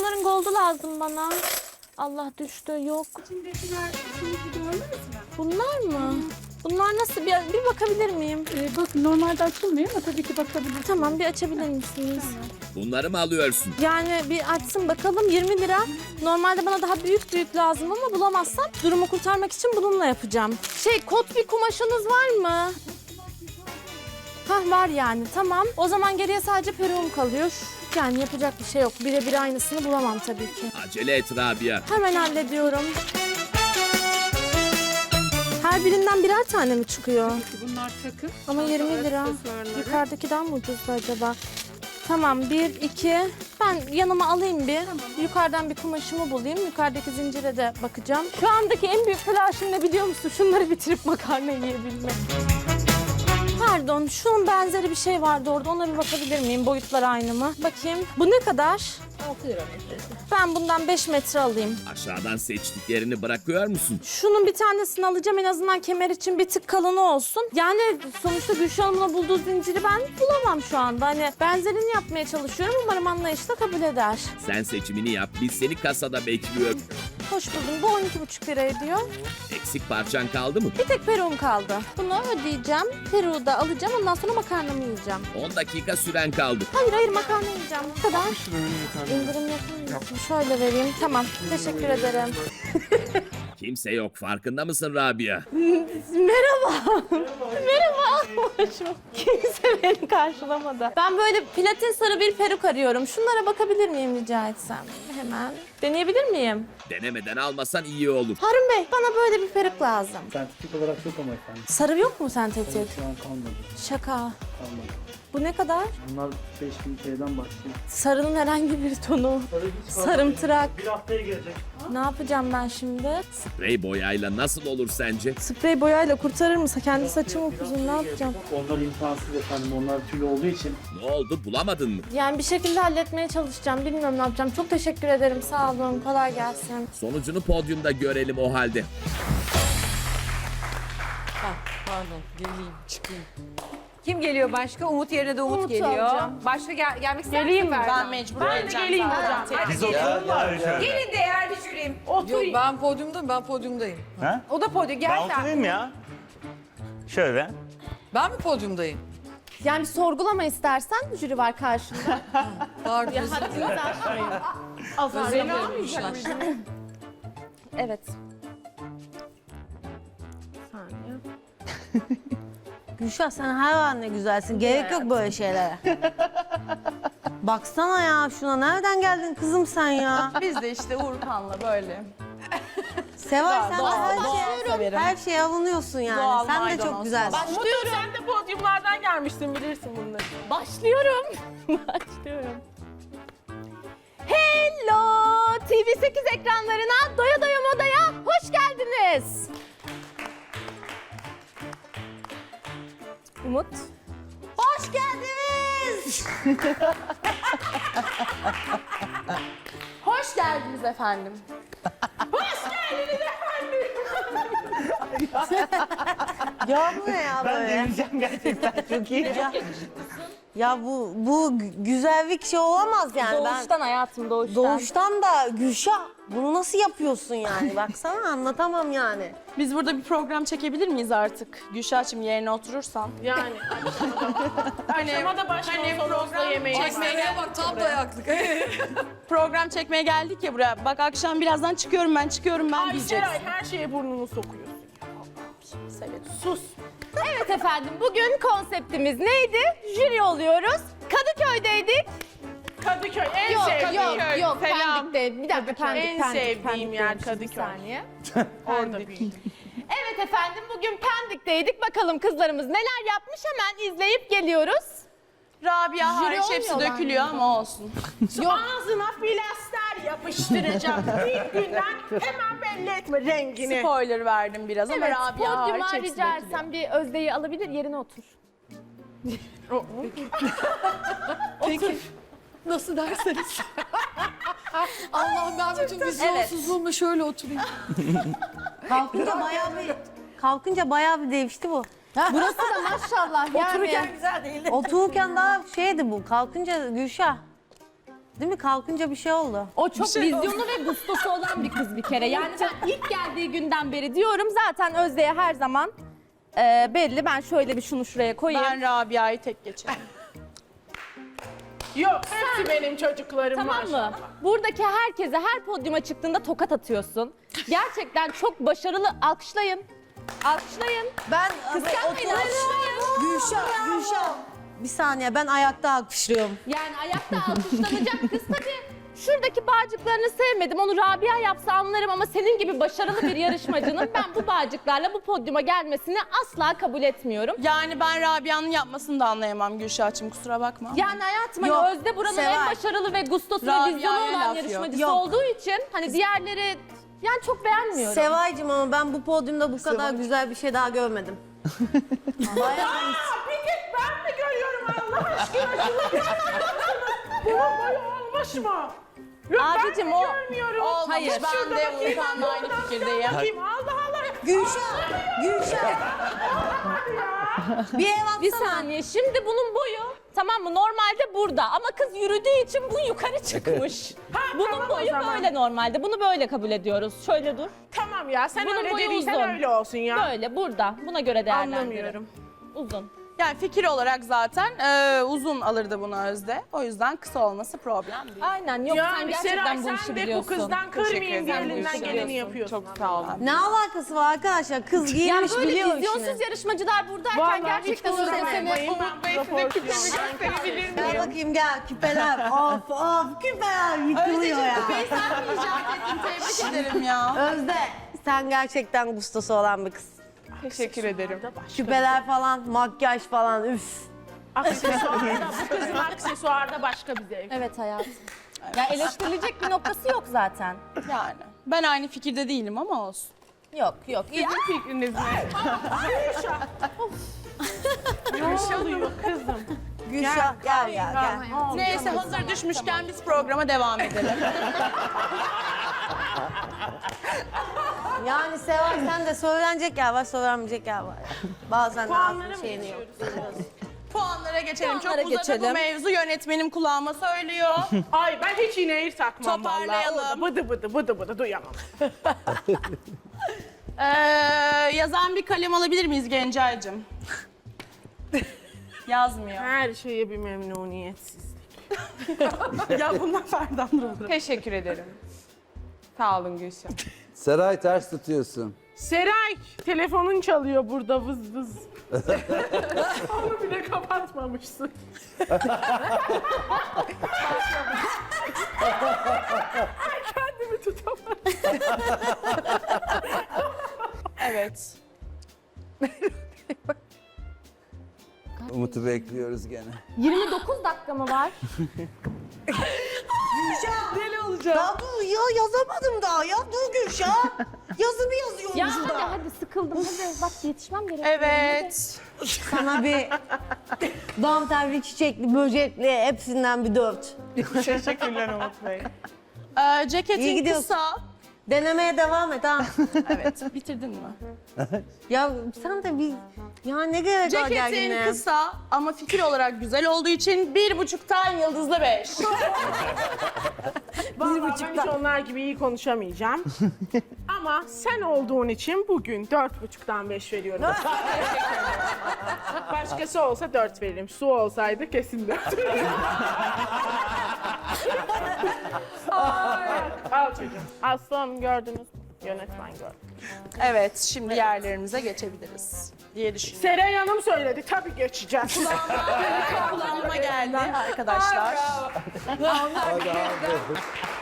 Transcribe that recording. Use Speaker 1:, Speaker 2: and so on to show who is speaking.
Speaker 1: bunların goldu lazım bana. Allah düştü, yok.
Speaker 2: İçindekiler içindeki görmediniz mi?
Speaker 1: Bunlar mı? Bunlar nasıl? Bir bakabilir miyim?
Speaker 2: Bak normalde açılmıyor ama tabii ki bakabilirsiniz.
Speaker 1: Tamam, bir açabilir misiniz?
Speaker 3: Bunları mı alıyorsun?
Speaker 1: Yani bir açsın bakalım, 20 lira. Normalde bana daha büyük lazım ama bulamazsam durumu kurtarmak için bununla yapacağım. Kot bir kumaşınız var mı? Hah, var yani, tamam. O zaman geriye sadece peruğum kalıyor. Yani yapacak bir şey yok. Birebir aynısını bulamam tabii ki.
Speaker 3: Acele et Rabia.
Speaker 1: Hemen hallediyorum. Her birinden birer tane mi çıkıyor?
Speaker 2: Bunlar takım.
Speaker 1: Ama 20 lira.
Speaker 2: Aksesuarları.
Speaker 1: Yukarıdakinden mi ucuzdu acaba? Tamam, 1, 2. Ben yanıma alayım bir. Yukarıdan bir kumaşımı bulayım. Yukarıdaki zincire de bakacağım. Şu andaki en büyük telaşım ne biliyor musun? Şunları bitirip makarna yiyebilmek. Pardon, şunun benzeri bir şey vardı orada. Ona bir bakabilir miyim? Boyutlar aynı mı? Bakayım. Bu ne kadar?
Speaker 4: 6 lira metresi.
Speaker 1: Ben bundan 5 metre alayım.
Speaker 3: Aşağıdan seçtiklerini bırakıyor musun?
Speaker 1: Şunun bir tanesini alacağım, en azından kemer için bir tık kalını olsun. Yani sonuçta Gülşah Hanım'la bulduğu zinciri ben bulamam şu anda. Hani benzerini yapmaya çalışıyorum, umarım anlayışla kabul eder.
Speaker 3: Sen seçimini yap, biz seni kasada bekliyoruz.
Speaker 1: Hoş buldum. Bu 12,5 lira ediyor.
Speaker 3: Eksik parçan kaldı mı?
Speaker 1: Bir tek peruğum kaldı. Bunu ödeyeceğim. Peruğu da alacağım. Ondan sonra makarnamı yiyeceğim.
Speaker 3: 10 dakika süren kaldı.
Speaker 1: Hayır, makarna yiyeceğim. Bu kadar. İndirim yapar mısın? Şöyle vereyim. Tamam. Teşekkür ederim.
Speaker 3: Kimse yok, farkında mısın Rabia?
Speaker 1: Merhaba. Merhaba. Kimse beni karşılamadı. Ben böyle platin sarı bir peruk arıyorum. Şunlara bakabilir miyim rica etsem? Hemen. Deneyebilir miyim?
Speaker 3: Denemeden almasan iyi olur.
Speaker 1: Harun Bey, bana böyle bir peruk lazım.
Speaker 5: Sentetik olarak yok ama efendim.
Speaker 1: Sarı yok mu sentetik?
Speaker 5: Şu an kalmadı.
Speaker 1: Şaka.
Speaker 5: Kalmadı.
Speaker 1: Bu ne kadar?
Speaker 5: Bunlar 5000 TL'den başlıyor.
Speaker 1: Sarının herhangi bir tonu. Sarımtırak.
Speaker 5: Bir haftaya gelecek.
Speaker 1: Ne yapacağım ben şimdi?
Speaker 3: Sprey boyayla nasıl olur sence?
Speaker 1: Sprey boyayla kurtarır mısın? Kendi saçım upuzun, ne yapacağım?
Speaker 5: Onlar imkansız efendim. Onlar tüy olduğu için.
Speaker 3: Ne oldu, bulamadın mı?
Speaker 1: Yani bir şekilde halletmeye çalışacağım. Bilmiyorum ne yapacağım. Çok teşekkür ederim. Sağ olun. Kolay gelsin.
Speaker 3: Sonucunu podyumda görelim o halde.
Speaker 4: Pardon, geleyim, çıkayım. Kim geliyor başka? Umut yerine de Umut
Speaker 1: Umut'u
Speaker 4: geliyor.
Speaker 1: alacağım.
Speaker 4: Başka gelmek ister misin?
Speaker 6: Ben mecbur geleceğim.
Speaker 4: Hadi gelin de yer düşüreyim.
Speaker 6: Yok ben podyumdayım.
Speaker 7: Ha?
Speaker 4: O da podyum. Gel
Speaker 7: Ben
Speaker 4: sen.
Speaker 7: oturayım ya. Şöyle.
Speaker 6: Ben mi podyumdayım?
Speaker 1: Yani bir sorgulama istersen, jüri var karşında.
Speaker 6: Pardon.
Speaker 1: Azar.
Speaker 6: almayacak.
Speaker 1: Evet. Saniye.
Speaker 8: Gülşah sen her ne güzelsin. Gerek yok böyle şeylere. Baksana ya şuna. Nereden geldin kızım sen ya?
Speaker 6: Biz de işte Uğurkan'la böyle.
Speaker 8: Seval sen de
Speaker 6: severim.
Speaker 8: her şeye alınıyorsun yani.
Speaker 6: Doğal
Speaker 8: sen de
Speaker 6: maydanoz.
Speaker 8: çok güzelsin.
Speaker 6: Başlıyorum.
Speaker 9: Sen de podyumlardan gelmiştin, bilirsin bunları.
Speaker 1: Başlıyorum. Başlıyorum. Hello! TV8 ekranlarına, Doya Doya Moda'ya hoş geldiniz. Umut.
Speaker 8: Hoş geldiniz.
Speaker 1: Hoş geldiniz efendim.
Speaker 8: Ya bu ne ya
Speaker 7: Ben
Speaker 8: böyle?
Speaker 7: deneyeceğim gerçekten çok iyi.
Speaker 8: Ya bu güzellik şey olamaz yani.
Speaker 1: Doğuştan hayatım, doğuştan.
Speaker 8: Doğuştan da Gülşah bunu nasıl yapıyorsun yani? Baksana anlatamam yani.
Speaker 6: Biz burada bir program çekebilir miyiz artık? Gülşah'cığım yerine oturursan.
Speaker 9: Yani. Akşama da program yemeği.
Speaker 6: Çekmeye bak tam dayaklık. Program çekmeye geldik ya buraya. Bak akşam birazdan çıkıyorum ben
Speaker 9: Ay
Speaker 6: diyeceksin.
Speaker 9: Seray, her şeye burnunu sokuyorsun. Sus.
Speaker 1: Evet efendim, bugün konseptimiz neydi? Jüri oluyoruz. Kadıköy'deydik.
Speaker 9: Kadıköy en
Speaker 1: Yok
Speaker 9: sevdiğim.
Speaker 1: yok
Speaker 9: Selam.
Speaker 1: Pendik'te. Bir dakika, Pendik.
Speaker 9: En sevdiğim
Speaker 1: Pendik'teymişim,
Speaker 9: yer
Speaker 1: bir
Speaker 9: Kadıköy.
Speaker 1: saniye.
Speaker 9: Orada büyüdüm.
Speaker 1: Evet efendim, bugün Pendik'teydik. Bakalım kızlarımız neler yapmış, hemen izleyip geliyoruz.
Speaker 6: Rabia hariç hepsi
Speaker 1: olmuyorlar
Speaker 6: dökülüyor ama olsun.
Speaker 9: Ağzına plaster yapıştıracağım. İlk günden hemen belli etme rengini.
Speaker 6: Spoiler verdim biraz ama
Speaker 1: Evet,
Speaker 6: Rabia hariç
Speaker 1: podyuma
Speaker 6: hepsi
Speaker 1: rica
Speaker 6: dökülüyor.
Speaker 1: etsem bir Özde'yi alabilir, yerine otur.
Speaker 6: Peki. Nasıl derseniz. Allah'ım ben bütün vizyonsuzluğumla şöyle oturayım.
Speaker 8: Kalkınca bayağı bir değişti bu.
Speaker 1: Burası da maşallah yani.
Speaker 8: Otururken daha şeydi bu. Kalkınca Gülşah. Değil mi? Kalkınca bir şey oldu.
Speaker 1: O çok vizyonu ve gustosu olan bir kız bir kere. Yani ben ilk geldiği günden beri diyorum zaten Özde'ye her zaman belli. Ben şöyle bir şunu şuraya koyayım.
Speaker 6: Ben Rabia'yı tek geçerim.
Speaker 9: Yok hepsi benim çocuklarım
Speaker 1: Tamam
Speaker 9: maşallah.
Speaker 1: mı? Buradaki herkese her podyuma çıktığında tokat atıyorsun. Gerçekten çok başarılı. Alkışlayın. Alkışlayın.
Speaker 8: Ben
Speaker 1: Kıskanmayın, alkışlayın.
Speaker 8: Gülşah. Bir saniye ben ayakta alkışlıyorum.
Speaker 1: Yani ayakta alkışlanacak kız tabii. Şuradaki bağcıklarını sevmedim. Onu Rabia yapsa anlarım ama senin gibi başarılı bir yarışmacının ben bu bağcıklarla bu podyuma gelmesini asla kabul etmiyorum.
Speaker 6: Yani ben Rabia'nın yapmasını da anlayamam Gülşah'cığım, kusura bakma.
Speaker 1: Yani hayatım
Speaker 8: Yok,
Speaker 1: hani Özde buranın en
Speaker 8: Seval.
Speaker 1: başarılı ve gustosu ve
Speaker 6: Rabia'ya
Speaker 1: vizyonu olan
Speaker 6: laf yok.
Speaker 1: yarışmacısı
Speaker 8: Yok.
Speaker 1: olduğu için hani diğerleri yani çok beğenmiyorum.
Speaker 8: Sevaycığım ama ben bu podyumda bu kadar güzel bir şey daha görmedim. Bayağı
Speaker 9: Bir tek ben mi görüyorum Allah aşkına? Şunu görmüyor musunuz? Bunun boyu olmuş mu? Yok,
Speaker 1: Abicim,
Speaker 9: ben
Speaker 1: o-
Speaker 9: mi görmüyorum?
Speaker 6: Olmamış,
Speaker 9: Geç
Speaker 6: ben
Speaker 9: şurada
Speaker 6: de
Speaker 9: bakayım,
Speaker 6: Urkan'la aynı
Speaker 9: buradan
Speaker 6: fikirdeyim.
Speaker 9: bakayım. Allah Allah.
Speaker 8: Gülşah. Bir ev
Speaker 1: Bir
Speaker 8: atsana.
Speaker 1: saniye şimdi bunun boyu tamam mı normalde burada ama kız yürüdüğü için bu yukarı çıkmış. Bunun
Speaker 9: tamam o
Speaker 1: boyu
Speaker 9: zaman.
Speaker 1: böyle normalde bunu böyle kabul ediyoruz. Şöyle dur.
Speaker 9: Tamam ya sen
Speaker 1: Bunun
Speaker 9: öyle
Speaker 1: boyu
Speaker 9: dediysen
Speaker 1: uzun.
Speaker 9: öyle olsun ya.
Speaker 1: Böyle burada buna göre değerlendirelim.
Speaker 9: Anlamıyorum.
Speaker 1: Uzun.
Speaker 6: Yani fikir olarak zaten uzun alırdı bunu Özde. O yüzden kısa olması problem değil.
Speaker 1: Aynen yok sen
Speaker 9: Yani
Speaker 1: gerçekten
Speaker 9: Seray
Speaker 1: bu işi
Speaker 9: sen de bu
Speaker 1: biliyorsun.
Speaker 9: kızdan kırmayayım diye
Speaker 6: ederim,
Speaker 9: elinden
Speaker 6: Gülşah.
Speaker 9: geleni yapıyorsun.
Speaker 6: Çok sağ olun.
Speaker 8: Ne alakası var arkadaşlar? Kız
Speaker 1: Ya
Speaker 8: giymiş
Speaker 1: böyle
Speaker 8: biliyor
Speaker 1: vizyonsuz
Speaker 8: işini.
Speaker 1: yarışmacılar buradayken
Speaker 9: Vallahi
Speaker 1: gerçekten
Speaker 9: hiç
Speaker 1: Özde
Speaker 9: kusura
Speaker 1: seni...
Speaker 9: bakmayın, ben küpemi gösterebilir
Speaker 8: Gel
Speaker 9: miyim?
Speaker 8: bakayım gel küpeler. Of küpeler yıkılıyor ya.
Speaker 6: Sen mi icat ettin? Tebrik ederim ya.
Speaker 8: Özde sen gerçekten gustosu olan bir kız.
Speaker 9: Teşekkür ederim.
Speaker 8: Küpeler falan, makyaj falan üf.
Speaker 9: Aksesuarda, bu kızın aksesuarda başka bir zevk.
Speaker 1: Evet hayatım. Ya eleştirilecek bir noktası yok zaten.
Speaker 6: Yani ben aynı fikirde değilim ama olsun.
Speaker 1: Yok. Ya,
Speaker 9: Sizin fikriniz ne? Ne oluyor kızım?
Speaker 8: Gülşah gel.
Speaker 6: Neyse hazır düşmüşken biz programa devam edelim.
Speaker 8: Yani Seval sen de söylenecek yer var, söylenmeyecek yer var. Bazen
Speaker 9: Puanlara
Speaker 8: ağzın
Speaker 9: mı
Speaker 8: şeyini yok.
Speaker 6: Puanlara geçelim.
Speaker 1: Puanlara
Speaker 6: Çok uzadı
Speaker 1: geçelim.
Speaker 6: bu mevzu. Yönetmenim kulağıma söylüyor.
Speaker 9: Ay ben hiç iğneyi takmam vallahi.
Speaker 6: Toparlayalım.
Speaker 9: Orada bıdı bıdı duyamam.
Speaker 6: Yazan bir kalem alabilir miyiz Gencay'cığım? Yazmıyor.
Speaker 9: Her şeye bir memnuniyetsizlik. Ya bunlar Ferdan olur.
Speaker 6: Teşekkür ederim. Sağ olun Gülşah.
Speaker 10: Seray ters tutuyorsun.
Speaker 9: Seray, telefonun çalıyor burada vız vız. Onu bile kapatmamışsın. Ay kendimi tutamadım.
Speaker 6: Evet.
Speaker 10: Umut'u bekliyoruz gene.
Speaker 1: 29 dakika mı var?
Speaker 8: Ya dur ya yazamadım daha ya dur Gülşah. Yazımı yazıyorum
Speaker 1: Ya
Speaker 8: şurada.
Speaker 1: hadi sıkıldım hadi bak yetişmem gerekiyor.
Speaker 6: Evet.
Speaker 8: Sana bir dantelli, çiçekli, böcekli hepsinden bir 4.
Speaker 6: Teşekkürler Umut Bey.
Speaker 8: İyi
Speaker 6: Ceketin
Speaker 8: gidiyorsun.
Speaker 6: kısa.
Speaker 8: Denemeye devam et ha.
Speaker 6: Evet. Bitirdin mi?
Speaker 8: Ya sen de bir ya ne gerek var
Speaker 6: Ceketin
Speaker 8: gerginliğe?
Speaker 6: kısa ama fikir olarak güzel olduğu için 1,5'tan yıldızlı 5.
Speaker 9: Vallahi ben hiç onlar gibi iyi konuşamayacağım. Ama sen olduğun için bugün 4,5'tan 5 veriyorum. Başkası olsa 4 veririm. Su olsaydı kesin 4 veririm. Al çocuğum. Aslanım gördünüz mü? Yönetmen gördü.
Speaker 6: Evet, şimdi yerlerimize geçebiliriz diye düşünüyorum.
Speaker 9: Seray Hanım söyledi. Tabii geçeceğiz.
Speaker 6: Kulağıma geldi arkadaşlar.
Speaker 10: Hadi abi.